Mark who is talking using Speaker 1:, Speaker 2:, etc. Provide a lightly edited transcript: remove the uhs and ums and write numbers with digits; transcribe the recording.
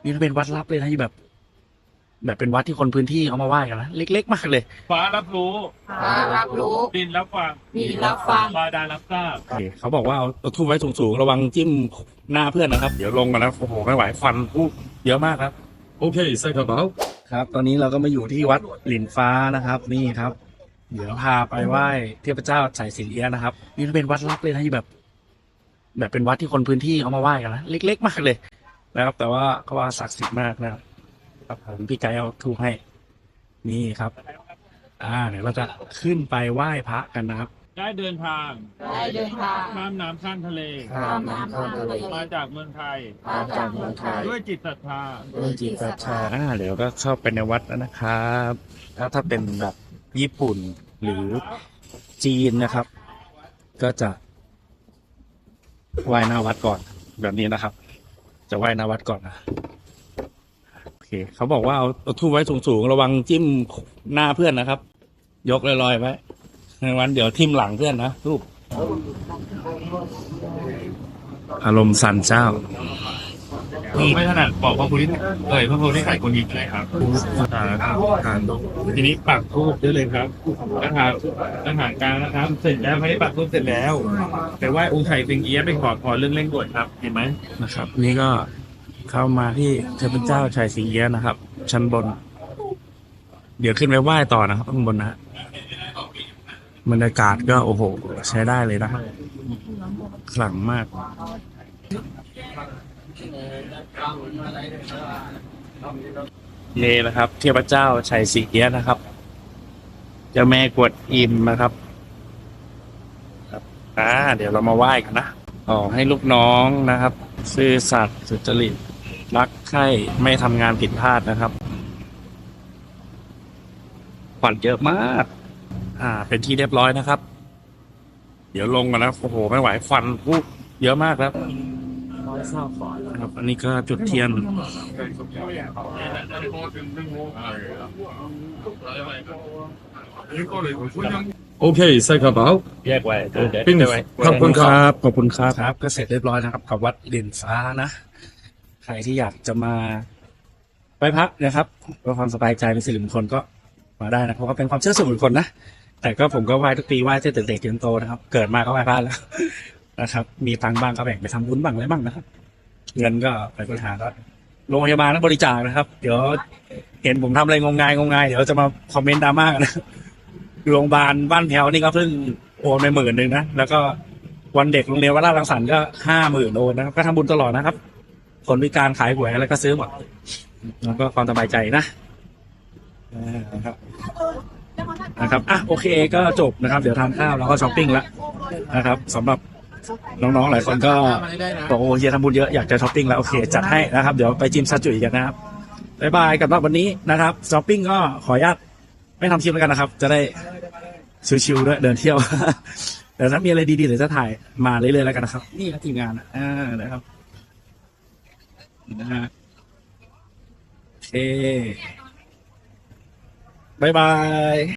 Speaker 1: นี่เป็นวัดลับเลยนะที่แบบเป็นวัดที่คนพื้นที่เขามาไหว้กันนะเล็กๆมากเลย
Speaker 2: ฟ้ารับรู้
Speaker 3: ฟ้ารับรู้
Speaker 2: ดินรับฟัง
Speaker 3: ดินรับฟัง
Speaker 2: บาดาลรับทราบ
Speaker 1: โอเคเขาบอกว่าเอาทุ่มไว้สูงๆระวังจิ้มหน้าเพื่อนนะครับเดี๋ยวลงมาแล้วโอ้โหไม่ไหวฟันพูเยอะมากครับ
Speaker 4: โอเคใส่กระเป๋า
Speaker 1: ครับ ตอนนี้เราก็มาอยู่ที่วัดหลินฟ้านะครับ นี่ครับ เดี๋ยวพาไปไหว้เทพเจ้าไฉสิงเอี้ยะนะครับ นี่เป็นวัดลับเลยนะที่แบบเป็นวัดที่คนพื้นที่เขามาไหว้กันนะเล็กๆมากเลยนะครับ แต่ว่าเขาว่าศักดิ์สิทธิ์มากนะครับผมพี่ไกด์เอาทูปให้ นี่ครับ เดี๋ยวเราจะขึ้นไปไหว้พระกันนะครับ
Speaker 2: ได้เดินทาง
Speaker 3: ได้เดินทาง
Speaker 2: ข้ามน้ำข้ามทะเล
Speaker 3: ข้ามน้ำข้ามทะเล
Speaker 2: มาจากเมืองไทย
Speaker 3: มาจากเมืองไทย
Speaker 2: ด้วยจิตศรัทธา
Speaker 1: ด้วยจิตศรัทธาเดี๋ยวก็เข้าไปในวัดแล้วนะครับแล้วถ้าเป็นแบบญี่ปุ่นหรือจีนนะครับ ก็จะไหว้หน้าวัดก่อนแบบนี้นะครับ จะไหว้หน้าวัดก่อนนะโอเคเขาบอกว่าเอาทูบไว้สูงๆระวังจิ้มหน้าเพื่อนนะครับ ยกลอยๆไว้ในวันเดี๋ยวทิ่มหลังเพื่อนนะทูบอารมณ์สันเจ้า
Speaker 2: ไม่ถนัดบอกพระพุทธพระพุทธไข่คนยิงเลยครับทีนี้ปักทูบได้เลยครับอาหารกลางนะครับ เสร็จแล้วไม่ได้ปักทูบเสร็จแล้ว แต่ว่าองค์ไข่สิงเอี้ยะไปขอพรเรื่องเร่งด่วนครับ เห็นไหม
Speaker 1: นะครับนี่ก็เข้ามาที่เทพเจ้าไฉสิงเอี้ยะนะครับ ชั้นบน เดี๋ยวขึ้นไปไหว้ต่อนะครับข้างบนนะฮะบรรยากาศก็โอ้โหใช้ได้เลยนะขลังมากนี่นะครับ เทพเจ้าไฉสิงเอี้ยะนะครับเจ้าแม่กวนอิมนะครับเดี๋ยวเรามาไหว้กันนะขอให้ลูกน้องนะครับ ซื่อสัตย์สุจริตรักใคร่ไม่ทำงานผิดพลาดนะครับขวัญเยอะมาก เป็นที่เรียบร้อยนะครับ เดี๋ยวลงกันนะโอ้โหไม่ไหวฟันพูเยอะมากครับครับ อันนี้ก็จุดเทียน
Speaker 4: โอเคใส่กระเป๋า
Speaker 1: แยกไว้
Speaker 4: ปิ้งขอบคุณครับ
Speaker 1: ขอบคุณครับครับก็เสร็จเรียบร้อยนะครับกับวัดหลินฟ้านะใครที่อยากจะมาไหว้พระนะครับเพื่อความสบายใจเป็นสิริมงคลก็มาได้นะเพราะว่าเป็นความเชื่อส่วนบุคคลนะแต่ก็ผมก็ไหว้ทุกปีไหว้ตั้งแต่เด็กจนโตนะครับ เกิดมาก็ไหว้พระแล้วนะครับ มีตังค์บ้างก็แบ่งไปทำบุญบ้างอะไรบ้างนะครับเงินก็ไปบริหารก็โรงพยาบาลนั้นบริจาคนะครับ เดี๋ยวเห็นผมทำอะไรงมงายเดี๋ยวจะมาคอมเมนต์ดราม่ากันนะโรงพยาบาลบ้านแถวนี่ก็เพิ่งโอนไป10,000นะแล้วก็วันเด็กโรงเรียนวัดราชรังสรรค์ก็50,000โอนนะครับก็ทำบุญตลอดนะครับคนพิการขายหวยอะไรก็ซื้อหมดแล้วก็ความสบายใจนะครับโอเคก็จบนะครับเดี๋ยวทานข้าวแล้วก็ช้อปปิ้งแล้วนะครับสำหรับน้องๆหลายคนก็บอกโอ้เฮียทำบุญเยอะอยากจะช้อปปิ้งแล้วโอเคจัดให้นะครับเดี๋ยวไปจิมซาจุยกันนะครับบ๊ายบายกับวันนี้นะครับช้อปปิ้งก็ขออนุญาตไม่ทำคลิปแล้วกันนะครับจะได้ชิวๆด้วยเดินเที่ยวแต่ถ้ามีอะไรดีๆเดี๋ยวจะถ่ายมาเรื่อยๆแล้วกันนะครับนี่ครับทีมงานนะครับนะฮะโอเคบ๊ายบาย